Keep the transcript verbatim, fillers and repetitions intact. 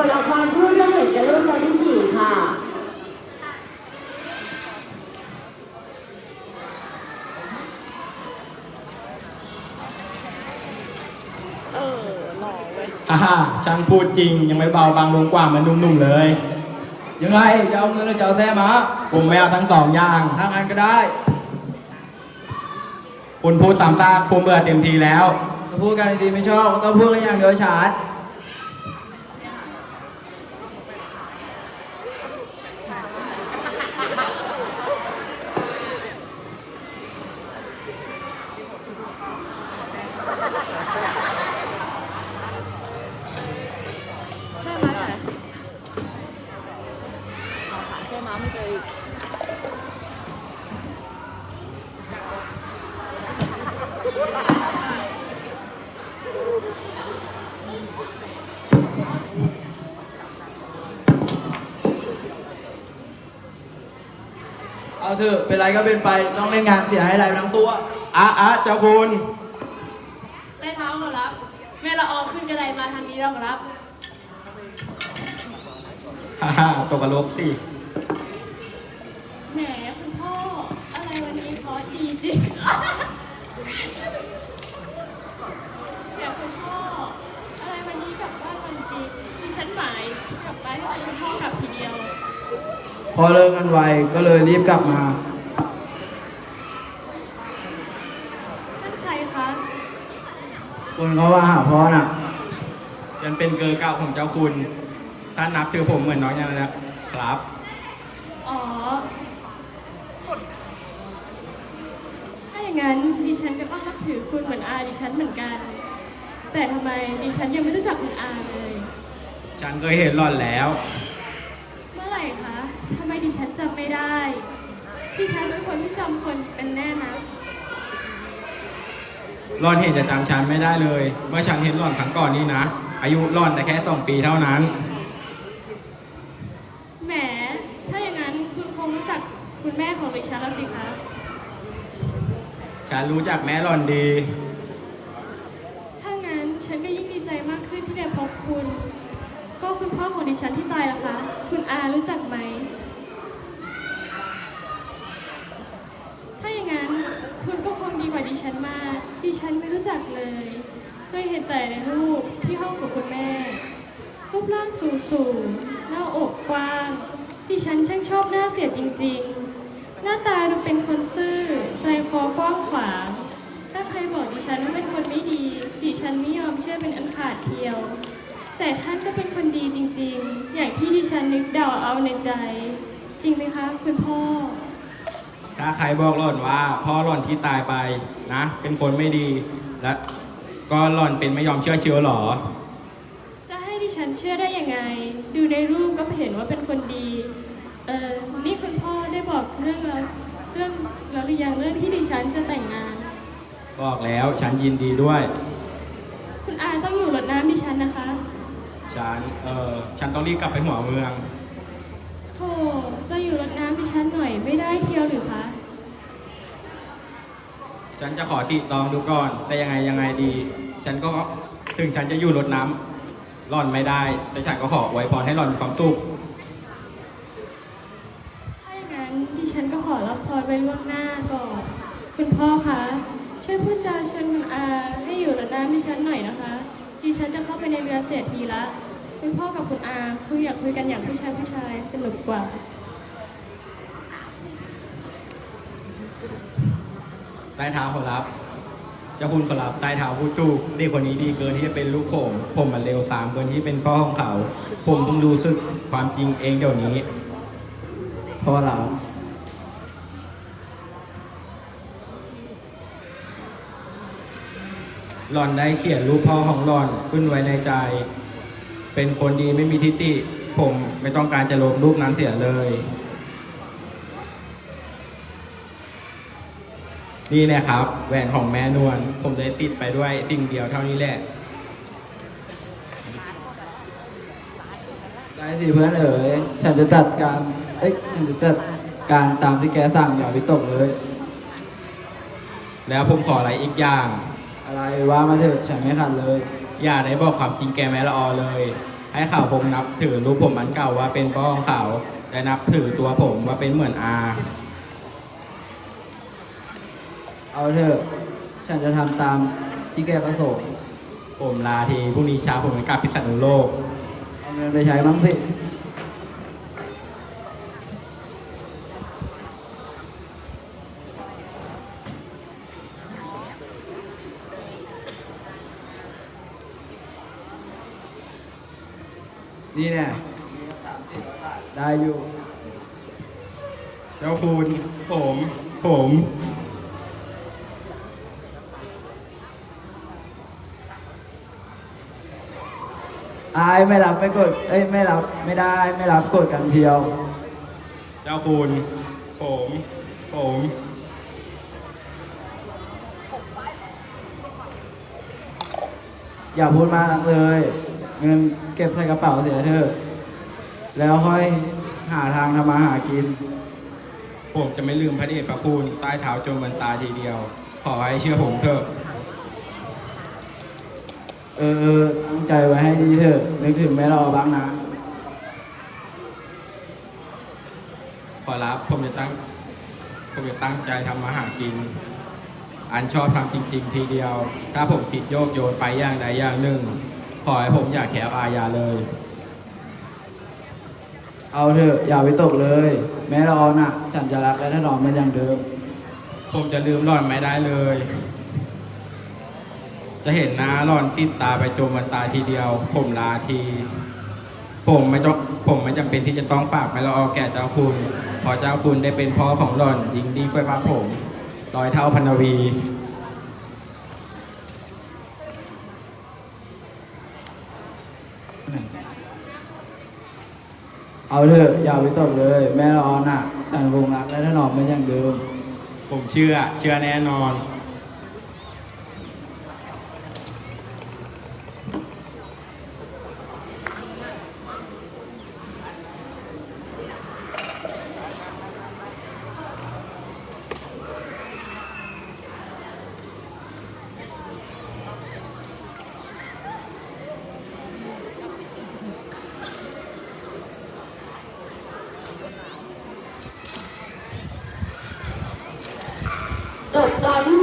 ทละครพูดเรื่องเหตุการณ์รุ่นวันที่สี่ค่ะเออหล่อเว้ยอ่าฮะช่างพูดจริงยังไม่เบาบางลงกว่าเหมันหนุ่มๆเลยยังไงจะเอาเงินหรือจะเอาแท้มาผมไม่เอาทั้งสองอย่างทางานก็ได้คุณพูดสามซากผมเบื่อเต็มทีแล้วถ้าพูดกันดีๆไม่ชอบก็ต้องพูดกันอย่างเดียวฉาดใช่ไหมไหนขอหาใช่ไหมไม่เจออีกเอาเถอะเป็นไรก็เป็นไปต้องเล่นงานเสียให้ไรไปทั้งตัวอ่ะอ่ะเจ้าคุณแม่เท้าขอรับ แม่ละออขึ้นกระไดมาทางนี้แล้วขอรับฮ่าฮ่าตกกระโหลกสิแหมคุณพ่อ อะไรวันนี้คอร์สดีจริง แหมคุณพ่อ อะไรวันนี้กลับบ้านวันจริงดิฉันหมายกลับไปให้คุณพ่อกลับทีเดียวพอเลิกกันไวก็เลยรีบกลับมานั่นใครคะคนเขาว่าหาพ่อน่ะฉันเป็นเกอร์เก่าของเจ้าคุณท่านนับถือผมเหมือนน้องอย่างนั้นนะครับอ๋อ ถ้าอย่างนั้นดิฉันก็ต้องนับถือคุณเหมือนอาดิฉันเหมือนกัน แต่ทำไมดิฉันยังไม่รู้จักคุณอาเลยฉันเคยเห็นหล่อนแล้วเมื่อไหร่คะ ทำไมดิฉันจำไม่ได้ ดิฉันเป็นคนที่จำคนเป็นแน่นะหล่อนเห็นจะจำฉันไม่ได้เลย เมื่อฉันเห็นหล่อนครั้งก่อนนี้นะ อายุหล่อนแต่แค่สองปีเท่านั้นแหม ถ้าอย่างนั้นคุณคงรู้จักคุณแม่ของดิฉันแล้วสิคะฉันรู้จักแม่หล่อนดีถ้างั้นฉันก็ยิ่งดีใจมากขึ้นที่ได้พบคุณ ก็คุณพ่อของดิฉันที่ตายล่ะคะ คุณอารู้จักไหม ถ้าอย่างนั้นคุณก็คงดีกว่าดิฉันมาก ดิฉันไม่รู้จักเลย เคยเห็นแต่ในรูปที่ห้องกับคุณแม่ รูปร่างสูงสูงหน้าอกกว้าง ดิฉันช่างชอบหน้าเสียจริงๆ หน้าตาดูเป็นคนซื่อ ใจคอกว้างขวาง ถ้าใครบอกดิฉันว่าเป็นคนไม่ดี ดิฉันไม่ยอมเชื่อเป็นอันขาดเทียว แต่ท่านก็เป็นคนดีจริงๆ อย่างที่ดิฉันนึกเดาเอาในใจ จริงไหมคะคุณพ่อถ้าใครบอกหล่อนว่าพ่อหล่อนที่ตายไปนะ เป็นคนไม่ดี และก็หล่อนเป็นไม่ยอมเชื่อเชียวหรอจะให้ดิฉันเชื่อได้ยังไง ดูในรูปก็เห็นว่าเป็นคนดี เออนี่คุณพ่อได้บอกเรื่องเราเรื่องเราหรือยังเรื่องที่ดิฉันจะแต่งงานบอกแล้วฉันยินดีด้วยคุณอาต้องอยู่รดน้ำดิฉันนะคะฉันเออฉันต้องรีบกลับไปหัวเมืองโธ่จะอยู่รดน้ำดิฉันหน่อยไม่ได้เที่ยวหรือคะฉันจะขอติตองดูก่อน แต่ยังไงยังไงดี ฉันก็ถึงฉันจะอยู่รดน้ำหล่อนไม่ได้ แต่ฉันก็ขออวยพรให้หล่อนมีความสุขถ้าอย่างนั้นดิฉันก็ขอรับพรไว้ล่วงหน้าก่อน คุณพ่อคะช่วยพูดจาเชิญคุณอาให้อยู่รดน้ำดิฉันหน่อยนะคะ ดิฉันจะเข้าไปในเรือเศรษฐีละ คุณพ่อกับคุณอาคุยอยากคุยกันอย่างผู้ชายผู้ชายสนุกกว่าใต้เท้าขอรับเจ้าคุณขอรับใต้เท้าพูดถูกเด็กคนนี้ดีเกินที่จะเป็นลูกผม ผมมันเร็วสามเกินที่เป็นพ่อของเขา ผมเพิ่งรู้สึกความจริงเองเดี๋ยวนี้พ่อเราหล่อนได้เขียนรูปพ่อของหล่อนขึ้นไว้ในใจ เป็นคนดีไม่มีทิฏฐิผมไม่ต้องการจะลบรูปนั้นเสียเลย นี่แหละครับแหวนของแม่นวลผมได้ติดไปด้วยสิ่งเดียวเท่านี้แหละได้สิเพื่อนเอ๋ยฉันจะจัดการเอ้ยฉันจะจัดการตามที่แกสั่งอย่าวิตกเลยแล้วผมขออะไรอีกอย่างอะไรว่ามาเถอะฉันไม่ขัดเลยอย่าได้บอกความจริงแกแม่ละออเลย ผให้เขาคงนับถือรูปผมอันเก่าว่าเป็นพ่อของเขาและนับถือตัวผมว่าเป็นเหมือนอาเอาเถอะฉันจะทำตามที่แกประสงค์ผมลาทีพรุ่งนี้เช้าผมจะกลับพิษณุโลกเอาเงินไปใช้บ้างสิ นี่เนี่ยได้อยู่เจ้าคุณผมผมอายไม่รับไม่กด เอ้ยไม่รับไม่ได้ไม่รับกดกันเทียวเจ้าคุณผมผมอย่าพูดมากนักเลย เงินเก็บใส่กระเป๋าเสียเถอะ แล้วค่อยหาทางทำมาหากินผมจะไม่ลืมพระเดชพระคุณใต้เท้าจนมันตายทีเดียว ขอให้เชื่อผมเถอะเออตั้งใจไว้ให้ดีเถอะนึกถึงแม่รอบ้างนะขอรับผมจะตั้งผมจะตั้งใจทำมาหากิน อันชอบทำจริง ๆ ทีเดียว ถ้าผมผิดโยกโยนไปอย่างใดอย่างหนึ่ง ขอให้ผมอย่าแขวอาญาเลยเอาเถอะอย่าไปตกเลย แม่รอน่ะ ฉันจะรักและถนอมมันอย่างเดิมผมจะลืมหล่อนไม่ได้เลย จะเห็นหน้าหล่อนติดตาไปจนวันตายทีเดียว ผมลาที ผมไม่ต้องผมไม่จำเป็นที่จะต้องฝากไปละออแก่เจ้าคุณเพอเจ้าคุณได้เป็นพ่อของหล่อนยิ่งดีกว่าผมร้อยเท่าพันวีเอาเถอะอย่าไปตกเลย แม่รอน่ะ ฉันคงรักและถนอมมันอย่างเดิมผมเชื่อเชื่อแน่นอนจบตอนที่